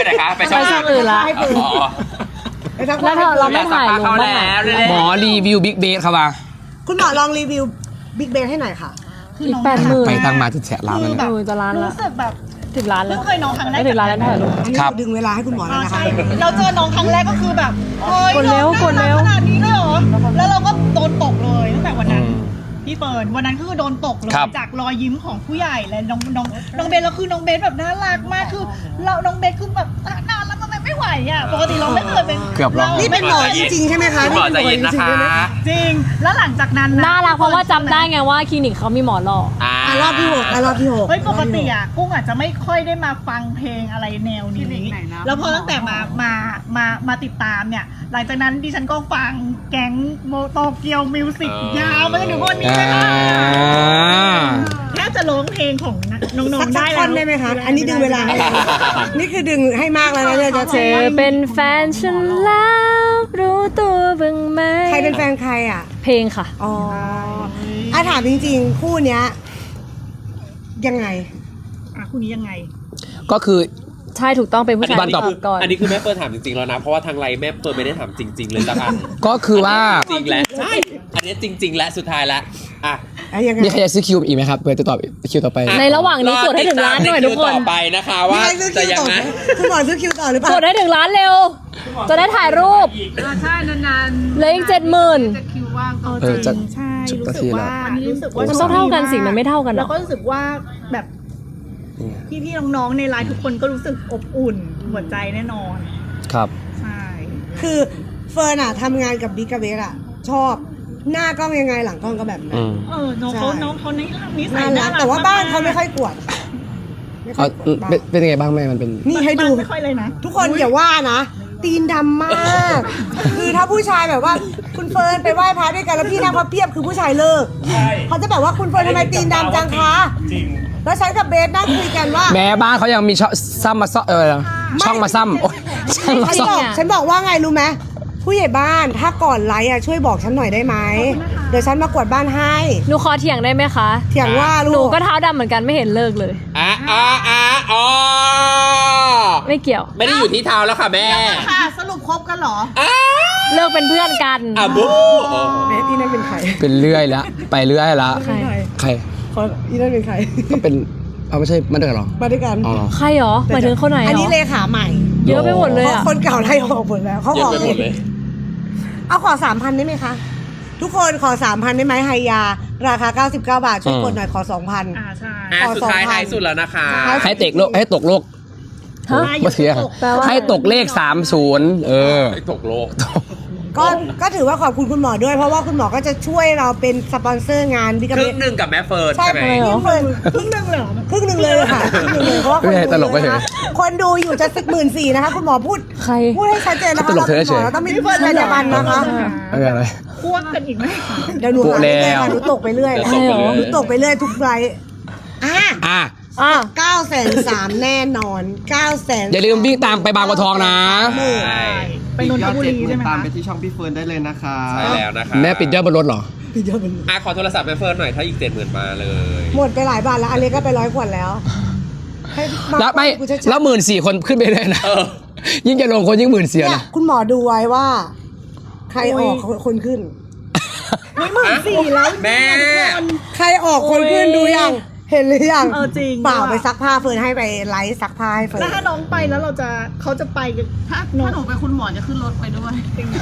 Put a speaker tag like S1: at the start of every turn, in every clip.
S1: ไปไหนคะไปช่
S2: ไปช่องอื่นละ
S3: ให้ปืน
S1: อ๋อ
S2: แล้วเราไม่ถ่ายลงบ้างอะ
S4: หมอรีวิวบิ๊กเบสครับว่า
S3: คุณหมอลองรีวิวบิ๊กเบนให้หน่อยค่ะ
S2: อีก80,000
S4: ไปตั้งมาจะแฉะร้านแล้ว
S2: เอ
S4: เนี่ย
S2: อจะล้านละ
S5: รู้สึกแบบ
S2: ถึงล้านแล้ว
S5: เพิ่งเคยน้องครั้งแรก
S2: ไม่ถึงล้านแล้วถ่ายรูป
S3: อันนี้
S4: ครับ
S3: ดึงเวลาให้คุณหมอแล้วนะคะ
S5: ใช่เราเจอน้องครั้งแรกก็คือแบบเฮ้ย
S2: กดเร็ว
S5: น้อง
S2: กดเร็ว
S5: น่ารัขนาดนี้เลยเหรอแล้วเราก็โดนตกเลยตั้งแต่วันนั้นพี่เฟิร์นวันนั้นคือโดนตกเลย
S4: ครับ
S5: จากรอยยิ้มของผู้ใหญ่และน้องเบนแล้วคือน้องเบนแบบน่ารักมากคือเราน้องเบนคือแบบนานแล้วมันไม่ไหวอ่ะปกติเราไม่เคยเป็น
S4: เกือบร้อง
S3: นี่เป็นหมอจริงๆใช่ไหมคะ
S1: หมอใจเย็นนะคะ
S5: จริงแล้วหลังจากนั้น
S2: น่ารักเพราะว่าจำได้ไงว่าคลินิกเขามีหมอหล่อ
S3: รอบที่หกรอบที่หก
S5: เฮ้ยปกติอ่ะกุ้งอาจจะไม่ค่อยได้มาฟังเพลงอะไรแนวนี้แล้วพอตั้งแต่มาติดตามเนี่ยหลังจากนั้นดิฉันก็ฟังแก๊งโมโตเกียวมิวสิกยาวมาจนถึงวันนี้เลยค่ะแทบจะร้องเพลงของน้องๆ
S3: สั
S5: ได้
S3: ก
S5: แล้
S3: ท่อ
S5: วน
S3: ได้ไหมคะ อันนี้ดึงเวลาให้นี่คือดึงให้มากแล้วนะเนี่ยจะ
S2: เธอเป็นแฟนฉันแล้วรู้ตัวบ้างไหม
S3: ใครเป็นแฟนใครอ่ะ
S2: เพลงค่ะ
S3: อ๋อถามจริงๆ คู่เนี้ยยังไง
S5: คู่นี้ยังไง
S4: ก็คือ
S2: ใช่ถูกต้องเป็นผู้ชาย
S4: วันต่อ
S2: ตอบก่อน
S1: อันนี้คือแม่เฟิร์นถามจริงๆแล้วนะ เพราะว่าทางไลน์แม่เฟิร์นไม่ได้ถามจริง ๆ เลยละกัน
S4: ก็คือว่า
S1: จริงแล้วใช่ อันนี้จริง ๆ และสุดท้ายแล้วอ่ะ
S3: ยังไง
S4: มีใครจะซื้อคิวอีกไหมครับเพื่อจะตอบคิวต่อไป
S2: ในระหว่างนี้กดให้ถึงล้านหน่อยทุกคน
S1: ต่อไปนะคะว่า
S3: มีใครซื้อ
S1: จะ
S3: คิว
S1: ยั
S3: ต่
S1: ง
S3: อ
S1: ไง
S3: คุณหมอซื้อคิวต่อหรือเปล่าก
S2: ดให้ถึงล้านเร็ว จะได้ถ่ายรูป
S5: ใช่นาน
S2: เหลืออีก70,000
S5: ๆคิวว่าง
S4: เออจะ
S5: ใช่
S4: จุด
S5: รู้
S4: นา
S5: สึ
S4: ที
S5: ก
S4: แล้ว
S5: ว่ารู้สึกว่า
S2: มันต้องเท่ากันสิมันไม่เท่ากันหร
S5: แล้
S2: อ
S5: วก็รู้สึกว่าแบบพี่ๆน้องๆในไลน์ทุกคนก็รู้สึกอบอุ่นหัวใจแน่นอน
S4: ครับ
S5: ใช่
S3: คือเฟิร์นอะทำงานกับบิ๊กกับเบสอะชอบหน้ากล้องยังไงหลังกล้องก็แบบนั้
S4: อื
S3: น
S4: ม
S5: น้องเขา
S3: ใช่
S5: น้องเขานิสั
S3: น่าย รั
S5: น่าก รัก
S3: แต่ว่าบ้านเขาไม่ค่อยกวดไม่ค่
S4: เอา
S3: อยกวดบ้าน
S4: เป็นยังไงบ้างแม่มันเป็น
S3: นี่ให้ดู
S5: ไม่ค่อยเลยนะ
S3: ทุกคนอย่าว่านะ ตีนดำมาก คือถ้าผู้ชายแบบว่าคุณเฟิร์นไปไหว้พระด้วยกันแล้วพี่นั่งพับเพียบคือผู้ชายเลิกเขาจะแบบว่าคุณเฟิร์นทำไมตีนดำจังคะจริงแล้วฉันกับเบสนั่งคุยกันว่า
S4: แม้บ้านเขายังมีช่องซ้ำมาซ่อช่องมาซ้ำโอ๊ยช่องมา
S3: ฉัน
S4: ซ่อ
S3: บอก
S4: ม
S3: ฉันบอกว่าไงรู้ไหมผู้ใหญ่บ้านถ้าก่อนไลฟ์อะช่วยบอกฉันหน่อยได้ไหมเดี๋ยวฉันมากวาดบ้านให้
S2: หนูขอเถียงได้ไหมคะ
S3: เถียงว่า
S2: หนู
S3: ลูก
S2: ก็เท้าดำเหมือนกันไม่เห็นเลิกเลย
S1: อ๋อ
S2: ไม่เกี่ยว
S1: ไม่ได้อยู่ที่เท้าแล้วค่ะแม่
S5: ค่ะสรุปคบกันเหรอ
S2: เลิกเป็นเพื่อนกัน
S1: อ่ะบู
S3: เบสอีนั่นเป็นใคร
S4: เป็นเรื่อยแล้วไปเรื่อยแล้ว
S2: ใคร
S4: ใคร
S3: ขออีนั่นเป็นใคร
S4: ก็เป็นเอาไม่ใช่มันเดือดหรอ
S3: มาด้วยกัน
S4: อ๋อเหรอ
S2: ใครหรอหมายถึงคนไหนหรอ
S3: อั
S2: อั
S3: นนี้เลขาใหม่
S2: เยอะไปหมดเลย
S3: เพราะ
S2: อ่ะ
S3: คนเก่าไล่ออกหมดแล้วเขา
S1: เย
S3: ข
S1: อะ
S3: อ
S1: ไปหมดเลย
S3: เอาขอ 3,000 ได้ไหมคะ ทุกคนขอ 3,000 ได้ไหมไฮยา ราคา 99 บาท ช่วยกดหน่อยขอ 2,000
S5: ใช่
S1: อ่ะสุดท้ายท้ายสุดแล้วนะคะ
S4: ให้เตกโลกให้ตกโลก
S2: ฮะ
S4: มาเสีย
S2: แปลว่า
S4: ให้ตกเลข30
S1: ให้ตกโลก
S3: ก็ถือว่าขอบคุณคุณหมอด้วย เพราะว่าคุณหมอก็จะช่วยเราเป็นสปอนเซอร์งานบิ๊ก
S1: ค
S3: เบ
S1: รึ่งหนึ่งกับแม่เฟิร์น
S3: ใช่
S1: ใช่ไหม
S3: ครึ่งหนึ่งเลยครึ่งหนึ่งเลยค่ะครึ่งหนึ่งเลยเพราะว่าคน
S4: ไม่ใช่ตล
S3: ดู
S4: กไม่ใช่
S3: นะคะคนดูอยู่จะ14,000นะคะคุณหมอพูด
S2: ใคร
S3: พูดให้ชัดเจนนะคะ
S4: ตลกเธอ
S3: เรา
S4: เฉย
S3: เราต้องไม่มีจรรยาบรรณนะคะ
S4: ไม่เป็นไร
S5: ควบกันอีกไหม
S3: เดี๋ยวหนู
S4: โปะแล้ว
S3: หนูตกไปเรื่อย
S1: เดี๋ยวตกไปเรื่อย
S3: หนูตกไปเรื่อยทุกไลฟ์อ่ะ
S4: อ่ะ
S2: อ่ะ
S3: 903,000แน่นอน900,000
S4: อย่าลืมวิ่งตามไปบางบัวทองนะ
S1: ใช่
S5: ไปนนทบุรีใช่ไหม
S6: ตาม
S5: คะ
S6: ไปที่ช่องพี่เฟิร์นได้เลยนะคะ
S1: ใช่แล้วนะคะ
S4: แม่ปิดยอดบนรถเหรอ
S1: อ่ะขอโทรศัพท์แม่เฟิร์นหน่อยถ้าอีก70,000มาเลย
S3: หมดไปหลายบาทแล้วอันนี้ก็ไป100 ขวดแล้วให้า
S4: แล้วไม่
S3: กูจะ
S4: แล้ว14,000 คนขึ้นไปเลยนะ
S1: เออ
S4: ยิ่งจะลงคนยิ่ง14,000
S3: เนี่ย
S4: นะ
S3: คุณหมอดูไว้ว่า ใครออกคนขึ้น
S5: 14,000แล้ว
S1: แม่
S3: ใครออกคนขึ้นดูยังเห็นหรือยัง
S5: จริง
S3: เปล่าไปซักผ้าเฟิร์นให้ไปไลฟ์ซักผ้าให้เฟิร์
S5: แล้ว
S3: น
S5: ถ้าน้องไปแล้วเขาจะไปกันถ้าหนูไปคุณหมอจะขึ้นรถไปด้วย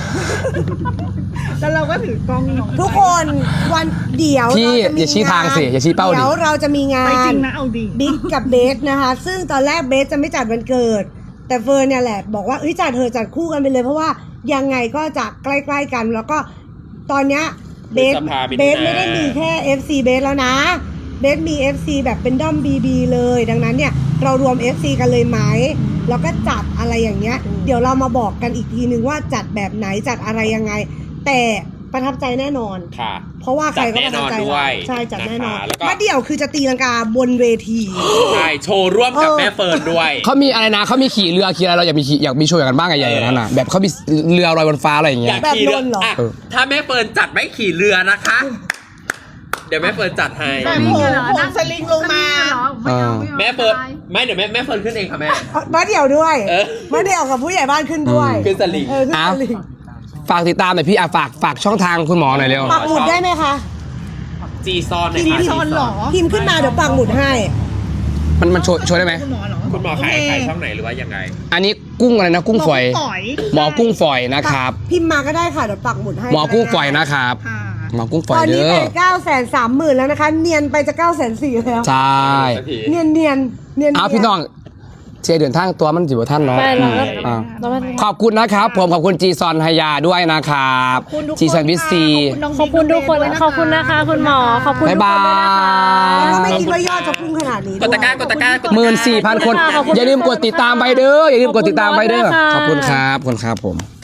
S5: แล้วเราก็ถือกล้องน้อง
S3: ทุกคนวันเดี๋ยว
S4: พี่
S3: เราจะมี
S4: อย่าชี้ทางสิอย่าชี้เป้าดิ
S3: เดี๋ยวเราจะมีงา
S5: ไปจริ
S3: น
S5: งนะเอาดี
S3: บิ๊กกับเบสนะคะ ซึ่งตอนแรกเบสจะไม่จัดวันเกิด แต่เฟิร์นเนี่ยแหละบอกว่าเอ้ยจัดเธอะจัดคู่กันไปเลยเพราะว่ายังไงก็จะใกล้ๆกัน แล้วก็ตอนเนี้ยเบส
S1: พฤษภาคม
S3: เบสไม่ได้มีแค่ FC เบสแล้วนะเบสมี FC แบบเป็นด้อม BB เลยดังนั้นเนี่ยเรารวม FC กันเลยไหมแล้วก็จัดอะไรอย่างเงี้ยเดี๋ยวเรามาบอกกันอีกทีนึงว่าจัดแบบไหนจัดอะไรยังไง แต่ประทับใจแน่นอน
S1: ค่ะ
S3: เพราะว่าใครก็ประทับใจ
S1: จัดแน่นอนด้วย
S3: ใช่จัดแน่นอน
S1: นะคะแล้วก็
S3: มาเดี่ยวคือจะตีลังกาบนเวที
S1: ใช่โชว์ร่วมกับแม่เฟิร์นด้วย
S4: เขามีอะไรนะเขามีขี่เรือขี่อะไรเราอยากมีโชว์อย่างนั้นบ้างใหญ่ๆอย่างนั้นน่ะแบบเขามีเรือลอยบนฟ้าอะไรอย่างเงี้
S1: อย ยากขี่เรืออ่ะถ้าแม่เฟิร์นจัดไม่ขี่เรือนะคะเดี๋ยวแม่เฟิร์นจัดให้
S5: แต่ผมสลิงลงมา
S1: แม่เฟิร์นไม่เดี๋ยวแม่เฟิร์นขึ้นเองค่ะแม่
S3: มาเดี่ยวด้วย
S1: เออ
S3: มาเดี่ยวกับผู้ใหญ่บ้านขึ้นด้วย
S1: ขึ้นสลิง
S3: เออขึ้นสลิง
S4: ฝากติดตามหน่อยพี่ฝากช่องทางคุณหมอหน่อยเร็ว
S3: ปักหมุดได้ไหมคะ
S1: จีซอน
S5: จีซอนเหรอ
S3: พิมพ์ขึ้นมาเดี๋ยวปักหมุดให้
S4: มันโชว์ได้ไหม
S5: คุณหมอเหรอ
S1: คุณหมอขายช่องไหนหรือว่ายังไง
S4: อันนี้กุ้งอะไรนะกุ้งฝอย หมอกุ้งฝอยนะครับ
S3: พิมพ์มาก็ได้ค่ะเดี๋ยวปักหมุดให้
S4: หมอกุ้งฝอยนะครับ
S5: ค่ะ
S4: หมอกุ้งฝอ
S3: ต
S4: ย
S3: อนนี้
S4: เด้
S3: เป็
S4: อน
S3: 930,000แล้วนะคะ เนียนไปจะ940,000แล้ว
S4: ใช่
S3: เนียนเนียนเนียน
S4: เอาพี่น้องเชียร์เดินทางตัวมันจิ๋วท่านเนาะ
S2: ไม่เราก็
S4: อ่า
S2: เราก็
S4: ขอบคุณนะครับผมขอบคุณจีซอนไฮยาด้วยนะครับ
S5: ขอบคุณทุกคน
S4: จีซอนวิซี
S2: ขอบคุณทุกคนขอบคุณนะคะ คุณหมอขอบคุณทุกคนด้วยนะคะ
S3: แล้วก็ไม่คิดว่ายอดจะพุ่งขนาดนี้
S1: กดตะกร้ากดตะกร้ากดตะกร้า
S4: 14,000 คน
S2: ขอบคุณค่ะ
S4: อย่าลืมกดติดตามไปเด้ออย่าลืมกดติดตามไปเด้อ
S2: ข
S4: ข
S2: อ
S4: อ
S2: บบ คุ
S4: คุณ ณ
S2: ค่ะ
S4: ครับขอบคุณครับผม